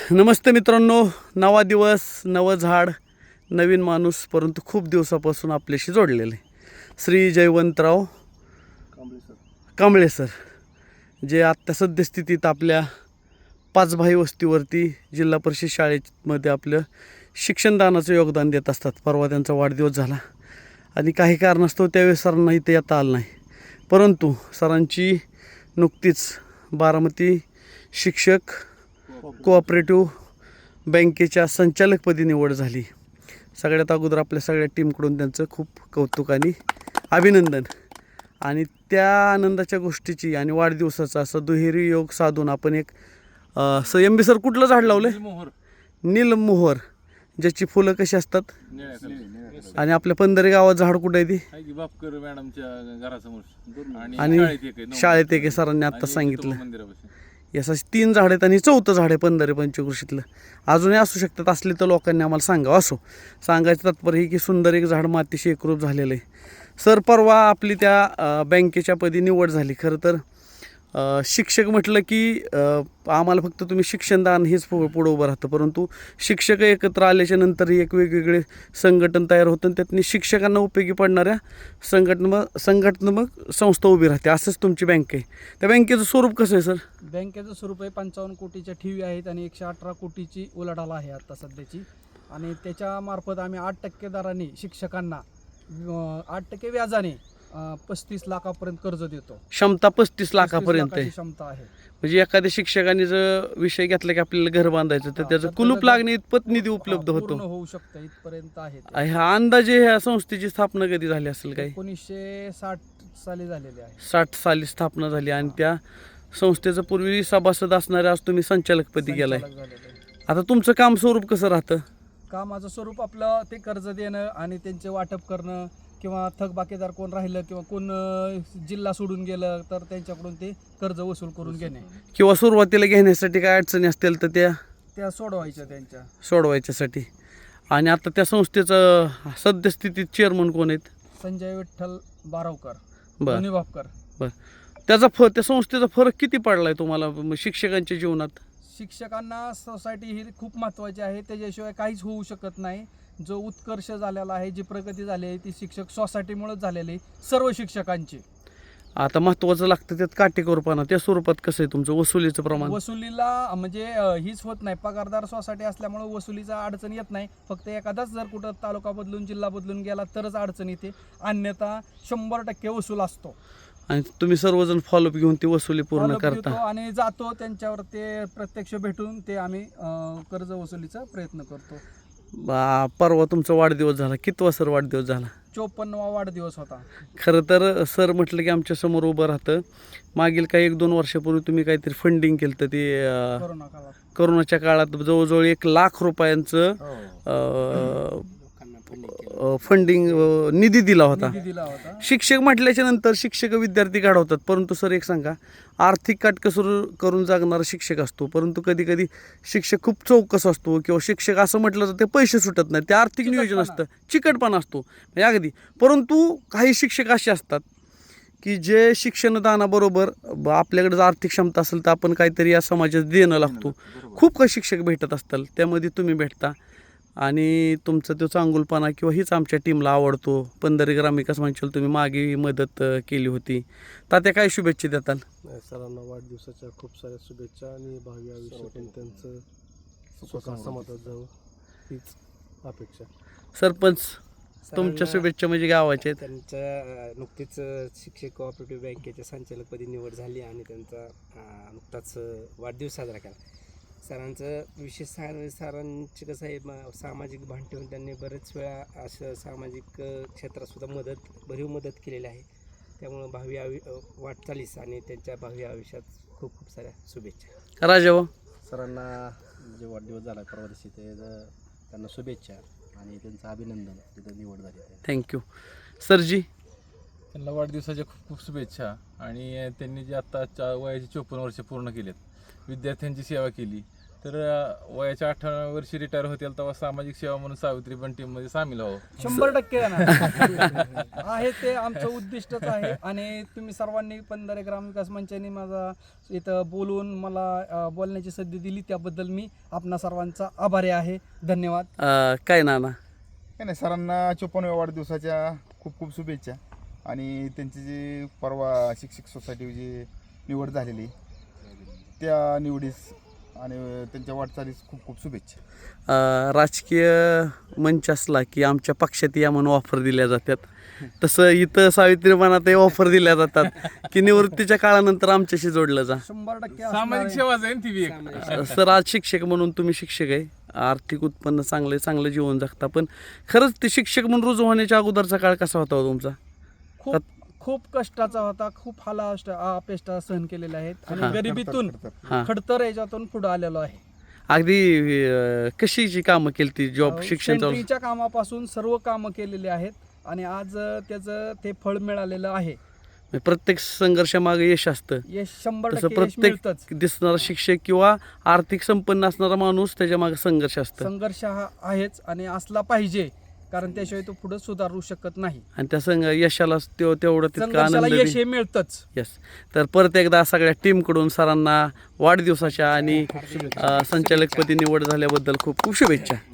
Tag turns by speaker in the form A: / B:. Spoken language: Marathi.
A: नमस्ते मित्रांनो, नवा दिवस, नवं झाड, नवीन माणूस, परंतु खूप दिवसापासून आपल्याशी जोडलेले श्री जयवंतराव कांबळे सर, जे आत्ता सद्यस्थितीत आपल्या पाचभाई वस्तीवरती जिल्हा परिषद शाळेमध्ये आपलं शिक्षणदानाचं योगदान देत असतात. परवा त्यांचा वाढदिवस झाला आणि काही कारणास्तव त्यावेळेस सरांना इथे येता आलं नाही, परंतु सरांची नुकतीच बारामती शिक्षक कोऑपरेटिव्ह बँकेच्या संचालकपदी निवड झाली. सगळ्यात अगोदर आपल्या सगळ्या टीमकडून त्यांचं खूप कौतुक आणि अभिनंदन. आणि त्या आनंदाच्या गोष्टीची आणि वाढदिवसाचा असं दुहेरी योग साधून आपण एक एम बी सर कुठलं झाड लावलं आहे? नीलमोहर, ज्याची फुलं कशी असतात. आणि आपल्या पंधरे गावात झाड कुठं आहे ती?
B: बापकर मॅडमच्या घरासमोर
A: आणि शाळेत एक सरांनी आत्ता सांगितलं. याचं 3 झाड आहेत आणि 4थं झाड आहे पंधरे पंचकृषीतलं. अजूनही असू शकतात, असले तर लोकांनी आम्हाला सांगावं. असो, सांगायचं तात्पर्य ही की सुंदर एक झाड मातीशी एकरूप झालेलं आहे. सर, परवा आपली त्या बँकेच्या पदी निवड झाली. खरं तर शिक्षक म्हटलं की आम्हाला फक्त तुम्ही शिक्षणदान हेच पुढं उभं राहतं, परंतु शिक्षक एकत्र आल्याच्या नंतरही एक वेगवेगळे संघटन तयार होतं आणि त्यातनी शिक्षकांना उपयोगी पडणाऱ्या संघटनात्मक संस्था उभी राहते. असंच तुमची बँक आहे. त्या बँकेचं स्वरूप कसं आहे सर?
C: बँकेचं स्वरूप आहे 55 कोटीच्या ठेवी आहेत आणि 118 कोटीची उलाढाल आहे आता सध्याची. आणि त्याच्यामार्फत आम्ही 8% दराने शिक्षकांना 8% व्याजाने 35 लाखापर्यंत कर्ज देतो.
A: क्षमता 35 लाखापर्यंत आहे.
C: क्षमता आहे.
A: म्हणजे एखाद्या शिक्षकाने जर विषय घेतला की आपल्याला घर बांधायचं तर त्याचं कुलूप लागणे इतपत निधी उपलब्ध होतो.
C: होऊ शकतं इथपर्यंत आहे.
A: ह्या अंदाजे ह्या संस्थेची स्थापना कधी झाली असेल? काही
C: 1960 साली झालेली आहे.
A: 60 साली स्थापना झाली आणि त्या संस्थेचं पूर्वी सभासद असणारे आज तुम्ही संचालकपदी गेलाय. आता तुमचं काम स्वरूप कसं राहतं?
C: कामाचं स्वरूप आपलं ते कर्ज देणं आणि त्यांचे वाटप करणं, किंवा थकबाकीदार कोण राहिलं किंवा कोण जिल्हा सोडून गेलं तर त्यांच्याकडून ते कर्ज वसूल करून घेणे,
A: किंवा सुरुवातीला घेण्यासाठी काय अडचणी असतील तर त्या
C: सोडवायच्या त्यांच्या
A: सोडवायच्यासाठी. आणि आता त्या संस्थेचं सद्यस्थितीत चेअरमन कोण आहेत?
C: संजय विठ्ठल बारावकर,
A: बरं
C: बापकर.
A: बरं, त्या संस्थेचा फरक किती पडलाय तुम्हाला शिक्षकांच्या जीवनात?
C: शिक्षकांना सोसायटी ही खूप महत्त्वाची आहे, त्याच्याशिवाय काहीच होऊ शकत नाही. जो उत्कर्ष झालेला आहे, जी प्रगती झाली आहे ती शिक्षक सोसायटीमुळेच झालेली आहे, सर्व शिक्षकांची.
A: आता महत्त्वाचं लागतं त्यात काटेकोरपणा. त्या स्वरूपात कसं आहे तुमचं वसुलीचं प्रमाण?
C: वसुलीला म्हणजे हीच होत नाही, पगारदार सोसायटी असल्यामुळे वसुलीचा अडचण येत नाही. फक्त एखादाच जर कुठं तालुका बदलून जिल्हा बदलून गेला तरच अडचण येते, अन्यथा 100% वसूल असतो.
A: आणि तुम्ही सर्वजण फॉलोअप घेऊन ती वसुली पूर्ण करता
C: आणि जातो त्यांच्यावर, ते प्रत्यक्ष भेटून ते आम्ही कर्ज वसुलीचा प्रयत्न करतो.
A: परवा तुमचा वाढदिवस झाला. कितवा सर वाढदिवस झाला?
C: 54वा वाढदिवस होता.
A: खरं तर सर म्हटलं की आमच्या समोर उभं राहतं. मागील काही 1-2 वर्षापूर्वी तुम्ही काहीतरी फंडिंग केलं तर ते करोनाच्या काळात जवळजवळ 1 लाख रुपयांचं फंडिंग निधी दिला होता. शिक्षक म्हटल्याच्या नंतर शिक्षक विद्यार्थी घडवतात, परंतु सर एक सांगा, आर्थिक काटकसर करून जगणारा शिक्षक असतो, परंतु कधी कधी शिक्षक खूप चौकस असतो, किंवा शिक्षक असं म्हटलं तर ते पैसे सुटत नाही, ते आर्थिक नियोजन असतं, चिकटपणा असतो म्हणजे अगदी. परंतु काही शिक्षक असे असतात की जे शिक्षणदानाबरोबर आपल्याकडे जर आर्थिक क्षमता असेल तर आपण काहीतरी या समाजात देणं लागतो. खूप काही शिक्षक भेटत असतात, त्यामध्ये तुम्ही भेटता आणि तुमचा तो चांगुलपणा किंवा हीच आमच्या टीमला आवडतो. पंधरे ग्रामविकास मंचाला तुम्ही मागे मदत केली होती, तात्या काय शुभेच्छा देताल?
D: सरांना वाढदिवसाच्या खूप साऱ्या शुभेच्छा आणि भावी आयुष्यात त्यांचं स्वतः समाजात जावं हीच अपेक्षा.
A: सरपंच, तुमच्या शुभेच्छा म्हणजे गावाच्या आहेत.
E: त्यांच्या नुकतीच शिक्षक कोऑपरेटिव्ह बँकेच्या संचालकपदी निवड झाली आणि त्यांचा नुकताच वाढदिवस साजरा केला. सरांचं विशेष सरांचे कसं आहे, सामाजिक भान ठेवून त्यांनी बरेच वेळा असं सामाजिक क्षेत्रातसुद्धा भरीव मदत केलेली आहे. त्यामुळं भावी वाटचालीस आणि त्यांच्या भावी आयुष्यात खूप खूप साऱ्या शुभेच्छा.
A: राजाभाऊ,
F: सरांना जे वाढदिवस झाला परवा दिवशी त्यांना शुभेच्छा आणि त्यांचं अभिनंदन, तिथं निवड झाली.
A: थँक्यू. सरजी,
B: त्यांना वाढदिवसाच्या खूप खूप शुभेच्छा. आणि त्यांनी जे आत्ता वयाची 54 वर्ष पूर्ण केलेत, विद्यार्थ्यांची सेवा केली, तर वयाच्या 58व्या वर्षी रिटायर होतील तेव्हा सामाजिक सेवा म्हणून सावित्री पण टीममध्ये सामील व्हावं.
C: 100% येणार आहे, ते आमचं उद्दिष्टच आहे. आणि तुम्ही सर्वांनी पंधरे ग्रामविकास मंचाने माझा इथं बोलून मला बोलण्याची संधी दिली त्याबद्दल मी आपणा सर्वांचा आभारी आहे. धन्यवाद.
A: काय नाना?
G: काय नाही, सरांना 54व्या वाढदिवसाच्या खूप खूप शुभेच्छा. आणि त्यांची जी परवा शिक्षक सोसायटी जी निवड झालेली त्या निवडीस आणि त्यांच्या वाटचालीस खूप खूप शुभेच्छा.
A: राजकीय मंच असला की आमच्या पक्षात या म्हणून ऑफर दिल्या जातात, तसं इथं सावित्रीपणात ऑफर दिल्या जातात की निवृत्तीच्या काळानंतर आमच्याशी जोडलं जा.
C: 100%
B: सामाजिक सेवाच आहे ना ती बी एक.
A: सर, आज शिक्षक म्हणून तुम्ही शिक्षक आहे, आर्थिक उत्पन्न चांगलं जीवन जगता, पण खरंच ते शिक्षक म्हणून रुजू होण्याच्या अगोदरचा काळ कसा होता हो तुमचा?
C: खूप खूप कष्टाचा होता, खूप अपेष्टा सहन केलेल्या आहेत आणि गरिबीतून
A: हां.
C: खडतर याच्यातून पुढे आलेलो आहे.
A: अगदी कशीची कामं केली ती जॉब शिक्षण चालू?
C: सेंट्रीच्या कामापासून सर्व कामं केलेली आहेत आणि आज त्याचं ते फळ मिळालेलं आहे.
A: प्रत्येक संघर्षामागे यश असतं,
C: यश
A: तसं
C: 100% यश
A: प्रत्येक
C: मिळतंच.
A: दिसणारा शिक्षक किंवा आर्थिक संपन्न असणारा माणूस त्याच्या मागे संघर्ष असतं
C: संघर्ष हा आहेच आणि असला पाहिजे, कारण त्याशिवाय तो पुढे सुधारू शकत नाही.
A: आणि त्या यशाला तेवढं तितका
C: संघर्षाला
A: आनंद
C: यश हे मिळतंच.
A: यस. तर परत एकदा सगळ्या टीमकडून सरांना वाढदिवसाच्या आणि संचालकपदी निवड झाल्याबद्दल खूप खूप शुभेच्छा.